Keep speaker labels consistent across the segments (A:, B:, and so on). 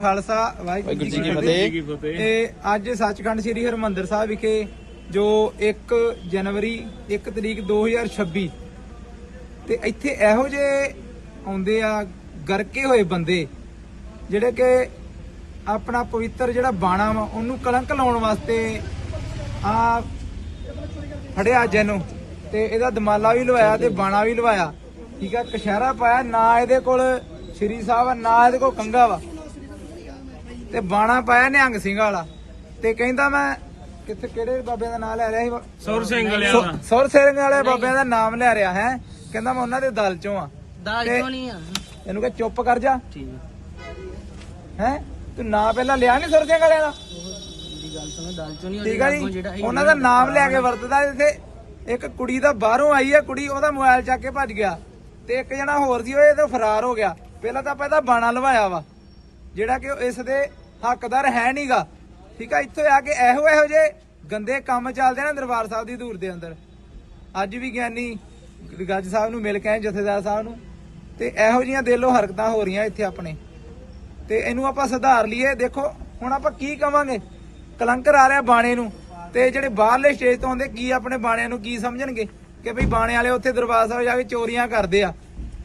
A: ਖਾਲਸਾ ਵਾਹਿਗੁਰੂ ਜੀ ਕੀ ਫਤਿਹ। ਤੇ ਅੱਜ ਸੱਚਖੰਡ ਸ੍ਰੀ ਹਰਿਮੰਦਰ ਸਾਹਿਬ ਵਿਖੇ ਜੋ 1 ਜਨਵਰੀ 1 ਤਰੀਕ 2026 ਤੇ ਇੱਥੇ ਇਹੋ ਜਿਹੇ ਆਉਂਦੇ ਆ ਗਰਕੇ ਹੋਏ ਬੰਦੇ ਜਿਹੜੇ ਕਿ ਆਪਣਾ ਪਵਿੱਤਰ ਜਿਹੜਾ ਬਾਣਾ ਵਾ ਉਹਨੂੰ ਕਲੰਕ ਲਾਉਣ ਵਾਸਤੇ ਆ ਫੜਿਆ ਜੈਨੂੰ ਤੇ ਇਹਦਾ ਦਮਾਲਾ ਵੀ ਲਵਾਇਆ ਤੇ ਬਾਣਾ ਵੀ ਲਵਾਇਆ। ਠੀਕ ਆ, ਕਸ਼ਹਿਰਾ ਪਾਇਆ, ਨਾ ਇਹਦੇ ਕੋਲ ਸ਼੍ਰੀ ਸਾਹਿਬ ਆ ਨਾ ਇਹਦੇ ਕੋਲ ਕੰਗਾ ਵਾ ਤੇ ਬਾਣਾ ਪਾਇਆ ਨਿਹੰਗ ਸਿੰਘ ਵਾਲਾ ਤੇ ਕਹਿੰਦਾ ਮੈਂ ਕਿੱਥੇ ਕਿਹੜੇ ਬਾਬਿਆਂ ਦਾ ਨਾਮ ਲੈ ਰਿਹਾ ਸੀ,
B: ਸੁਰ ਸਿੰਘ ਵਾਲਿਆਂ ਦਾ,
A: ਸੁਰ ਸਿੰਘ ਵਾਲੇ ਬਾਬਿਆਂ ਦਾ ਨਾਮ ਲੈ ਰਿਹਾ ਹੈ। ਕਹਿੰਦਾ ਮੈਂ ਉਹਨਾਂ ਦੇ ਦਲ ਚੋਂ ਆ।
C: ਦਲ ਚੋਂ ਨਹੀਂ ਆ,
A: ਇਹਨੂੰ ਕਹ ਚੁੱਪ ਕਰ ਜਾ।
C: ਠੀਕ
A: ਹੈ ਤੂੰ ਨਾਂ ਪਹਿਲਾਂ ਲਿਆ ਨੀ ਸੁਰ ਸਿੰਘ ਵਾਲਿਆਂ ਦਾ?
C: ਦੀ ਗੱਲ ਸੁਣੋ, ਦਲ ਚੋਂ ਨਹੀਂ।
A: ਠੀਕ ਆ ਜੀ, ਉਹਨਾਂ ਦਾ ਨਾਮ ਲੈ ਕੇ ਵਰਤਦਾ। ਇੱਥੇ ਇੱਕ ਕੁੜੀ ਦਾ ਬਾਹਰੋਂ ਆਈ ਹੈ ਕੁੜੀ, ਉਹਦਾ ਮੋਬਾਈਲ ਚੱਕ ਕੇ ਭੱਜ ਗਿਆ ਤੇ ਇੱਕ ਜਣਾ ਹੋਰ ਸੀ ਉਹ ਇਹਦੇ ਫਰਾਰ ਹੋ ਗਿਆ। ਪਹਿਲਾਂ ਤਾਂ ਆਪਾਂ ਇਹਦਾ ਬਾਣਾ ਲਵਾਇਆ ਵਾ ਜਿਹੜਾ ਕਿ ਇਸ ਦੇ ਹੱਕਦਾਰ ਹੈ ਨਹੀਂਗਾ। ਠੀਕ ਆ, ਇੱਥੇ ਆ ਕੇ ਇਹੋ ਜੇ ਗੰਦੇ ਕੰਮ ਚੱਲਦੇ ਨੇ ਦਰਬਾਰ ਸਾਹਿਬ ਦੀ ਧੂੜ ਦੇ ਅੰਦਰ। ਅੱਜ ਵੀ ਗਿਆਨੀ ਗੱਜ ਸਾਹਿਬ ਨੂੰ ਮਿਲ ਕੇ ਆਏ, ਜਥੇਦਾਰ ਸਾਹਿਬ ਨੂੰ, ਤੇ ਇਹੋ ਜਿਹੀਆਂ ਦਿਲੋਂ ਹਰਕਤਾਂ ਹੋ ਰਹੀਆਂ ਇੱਥੇ ਆਪਣੇ, ਤੇ ਇਹਨੂੰ ਆਪਾਂ ਸੁਧਾਰ ਲਈਏ। ਦੇਖੋ ਹੁਣ ਆਪਾਂ ਕੀ ਕਵਾਂਗੇ, ਕਲੰਕਰ ਆ ਰਿਹਾ ਬਾਣੇ ਨੂੰ, ਤੇ ਜਿਹੜੇ ਬਾਹਰਲੇ ਸਟੇਜ ਤੋਂ ਆਉਂਦੇ ਕੀ ਆਪਣੇ ਬਾਣਿਆਂ ਨੂੰ ਕੀ ਸਮਝਣਗੇ ਕਿ ਭਈ ਬਾਣੇ ਵਾਲੇ ਉੱਥੇ ਦਰਬਾਰ ਸਾਹਿਬ ਜਾ ਕੇ ਚੋਰੀਆਂ ਕਰਦੇ ਆ।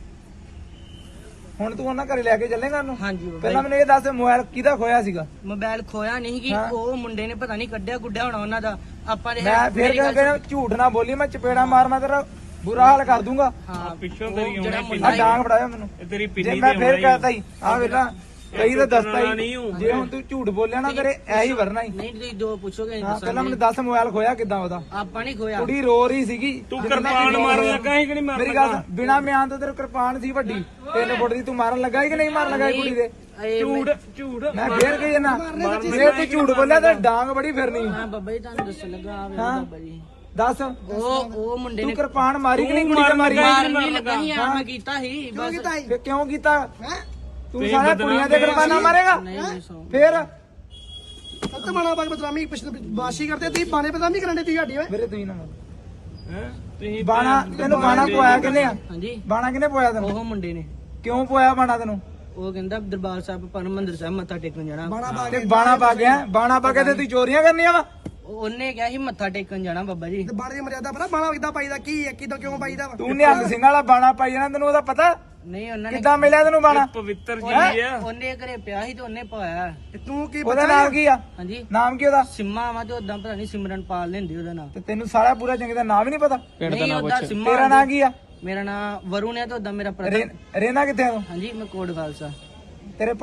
A: ਹੁਣ ਤੂੰ ਉਹਨਾਂ ਘਰੇ ਲੈ ਕੇ ਚੱਲੇਗਾ ਉਹਨੂੰ?
C: ਹਾਂਜੀ ਬਾਬਾ
A: ਪਹਿਲਾਂ ਮੈਨੂੰ ਇਹ ਦੱਸ, ਮੋਬਾਈਲ ਕਿਹਦਾ ਖੋਇਆ ਸੀਗਾ?
C: ਮੋਬਾਈਲ ਖੋਇਆ ਨਹੀਂ ਕਿ ਉਹ ਮੁੰਡੇ ਨੇ ਪਤਾ ਨਹੀਂ ਕੱਢਿਆ ਗੁੱਡਿਆ ਹੋਣਾ ਉਹਨਾਂ ਦਾ। ਆਪਾਂ ਦੇ
A: ਮੈਂ ਫੇਰ ਕਹਿੰਦਾ ਝੂਠ ਨਾ ਬੋਲੀ, ਮੈਂ ਚਪੇੜਾ ਮਾਰ ਮੈਂ ਤੇਰਾ ਬੁਰਾ ਹਾਲ ਕਰ ਦੂੰਗਾ।
C: ਹਾਂ
B: ਪਿੱਛੋਂ ਤੇਰੀ ਆਉਣੀ
A: ਆ ਡਾਂਗ ਫੜਾਇਆ ਮੈਨੂੰ,
B: ਇਹ ਤੇਰੀ
A: ਜੇ
B: ਪਿੰਨੀ
A: ਮੈਂ
B: ਤੇ
A: ਫੇਰ
B: ਆਉਣਾ
A: ਕਹਤਾ ਹੀ ਆ ਵੇਲਾ ਕਈ ਤਾਂ ਦੱਸਤਾ ਹੀ।
B: ਨਹੀਂ ਹੂੰ।
A: ਜੇ ਹੁਣ ਤੂੰ ਝੂਠ ਬੋਲਿਆ ਨਾ ਤੇਰੇ ਐਹੀ ਵਰਨਾ ਹੀ।
C: ਨਹੀਂ ਤੁਸੀਂ ਜੋ ਪੁੱਛੋਗੇ
A: ਹਾਂ ਪਹਿਲਾਂ ਮੈਨੂੰ ਦੱਸ ਮੋਬਾਈਲ ਖੋਇਆ ਕਿੱਦਾਂ ਉਹਦਾ?
C: ਆਪਾਂ ਨਹੀਂ ਖੋਇਆ।
A: ਕੁੜੀ ਰੋ ਰਹੀ ਸੀਗੀ।
B: ਤੂੰ ਕਿਰਪਾਨ ਮਾਰਨ ਲੱਗਾ ਸੀ ਕਿ ਨਹੀਂ ਮਾਰਨ
A: ਮੇਰੀ ਗੱਲ ਬਿਨਾ ਮਿਆਨ ਤੋਂ ਤੇਰੇ ਕਿਰਪਾਨ ਸੀ ਵੱਡੀ 3 ਫੁੱਟ ਦੀ, ਤੂੰ ਮਾਰਨ ਲੱਗਾ ਸੀ ਕਿ ਨਹੀਂ ਮਾਰਨ ਲੱਗਾ ਸੀ ਕੁੜੀ ਦੇ?
B: ਝੂਠ
A: ਮੈਂ ਫੇਰ ਕਹੀ ਨਾ ਫੇਰ ਤੂੰ ਝੂਠ ਬੋਲਿਆ ਤੇ ਡਾਂਗ ਬੜੀ ਫਿਰਨੀ।
C: ਹਾਂ ਬਾਬਾ ਜੀ ਤੁਹਾਨੂੰ ਦੱਸਣ ਲੱਗਾ ਆ ਬਾਬਾ ਜੀ।
A: ਦੱਸ
C: ਉਹ ਮੁੰਡੇ
A: ਤੂੰ
C: ਨੇ
A: ਕਿਰਪਾਨ ਮਾਰੀ ਕਿ ਨਹੀਂ ਕੁੜੀ ਤੇ ਮਾਰੀ?
C: ਮਾਰਨ ਨਹੀਂ ਲੱਗਾ ਸੀ ਯਾਰ, ਮੈਂ ਕੀਤਾ ਸੀ ਬਸ।
A: ਫੇਰ ਕਿਉਂ ਕੀਤਾ? ਤੂੰ ਸਾਰਾ ਕੁੜੀਆਂ ਦੇ ਕਿਰਪਾਨਾਂ ਮਾਰੇਗਾ?
C: ਨਹੀਂ ਸੌ
A: ਫੇਰ
D: ਸੱਤ ਬਾਣਾ ਬਾਗ ਬਦਨਾਮੀ ਬਾਸ਼ੀ ਕਰਦੇ ਤੀ ਬਾਣੇ ਬਦਨਾਮੀ ਕਰਨ ਦੇ ਤੀ ਸਾਡੀ ਓਏ।
A: ਮੇਰੇ ਤੂੰ ਹੀ ਨਾ
B: ਹੈ ਤੁਸੀਂ
A: ਬਾਣਾ ਤੈਨੂੰ ਬਾਣਾ ਪਵਾਇਆ ਕਿੰਨੇ ਆ?
C: ਹਾਂਜੀ
A: ਬਾਣਾ ਕਿੰਨੇ ਪਵਾਇਆ ਤੈਨੂੰ?
C: ਉਹ ਮੁੰਡੇ ਨੇ।
A: ਕਿਉਂ ਪਵਾਇਆ ਬਾਣਾ ਤੈਨੂੰ?
C: ਉਹ ਕਹਿੰਦਾ ਦਰਬਾਰ ਸਾਹਿਬ ਹਰਿਮੰਦਰ ਸਾਹਿਬ ਮੱਥਾ ਟੇਕਣ ਜਾਣਾ।
A: ਤੇ ਬਾਣਾ ਪਾ ਗਿਆ, ਬਾਣਾ ਪਾ ਕੇ ਤੇ ਤੂੰ ਚੋਰੀਆਂ ਕਰਨੀਆਂ ਵਾ?
C: ਉਹਨੇ ਕਿਹਾ ਸੀ ਮੱਥਾ ਟੇਕਣ ਜਾਣਾ ਬਾਬਾ ਜੀ।
D: ਤੇ ਬਾਣੇ ਦੀ ਮਰਿਆਦਾ ਪਤਾ ਬਾਣਾ ਕਿੱਦਾਂ ਪਾਈਦਾ, ਕੀ ਹੈ ਕਿੱਦਾਂ ਕਿਉਂ ਪਾਈਦਾ ਵਾ?
A: ਤੂੰ ਨਿਹੰਗ ਸਿੰਘ ਵਾਲਾ ਬਾਣਾ ਪਾਈ ਜਾਣਾ, ਤੈਨੂੰ ਉਹਦਾ ਪਤਾ?
C: ਨਹੀਂ ਉਹਨਾਂ ਨੇ
A: ਕਿੱਦਾਂ ਮਿਲਿਆ ਤੈਨੂੰ ਬਾਣਾ?
B: ਪਵਿੱਤਰ ਜੀ ਆ।
C: ਉਹਨੇ ਘਰੇ ਪਿਆ ਸੀ ਤੇ ਉਹਨੇ ਪਾਇਆ।
D: ਤੇ ਤੂੰ ਕੀ
A: ਉਹਦਾ ਨਾਮ ਕੀ ਆ?
C: ਹਾਂਜੀ
A: ਨਾਮ ਕੀ ਉਹਦਾ?
C: ਸਿੰਮਾ ਵਾ ਤੇ ਉਦਾਂ ਪਤਾ ਨਹੀਂ ਸਿਮਰਨ ਪਾਲ ਲੈਂਦੇ ਉਹਦਾ ਨਾਮ।
A: ਤੇ ਤੈਨੂੰ ਸਾਰਾ ਪੂਰਾ ਚੰਗੇ ਦਾ ਨਾਮ ਵੀ ਨਹੀਂ ਪਤਾ?
C: ਨਹੀਂ ਉਦਾਂ ਸਿੰਮਾ।
A: ਤੇਰਾ ਨਾਮ ਕੀ ਆ?
C: ਮੇਰਾ ਨਾਮ ਵਰੁਣ ਹੈ ਤੇ ਉਦਾਂ ਮੇਰਾ ਭਰਾ।
A: ਰੇਨਾ ਕਿੱਥੇ ਆ ਤੂੰ?
C: ਹਾਂਜੀ ਮੈਂ ਕੋਟ ਖਾਲਸਾ।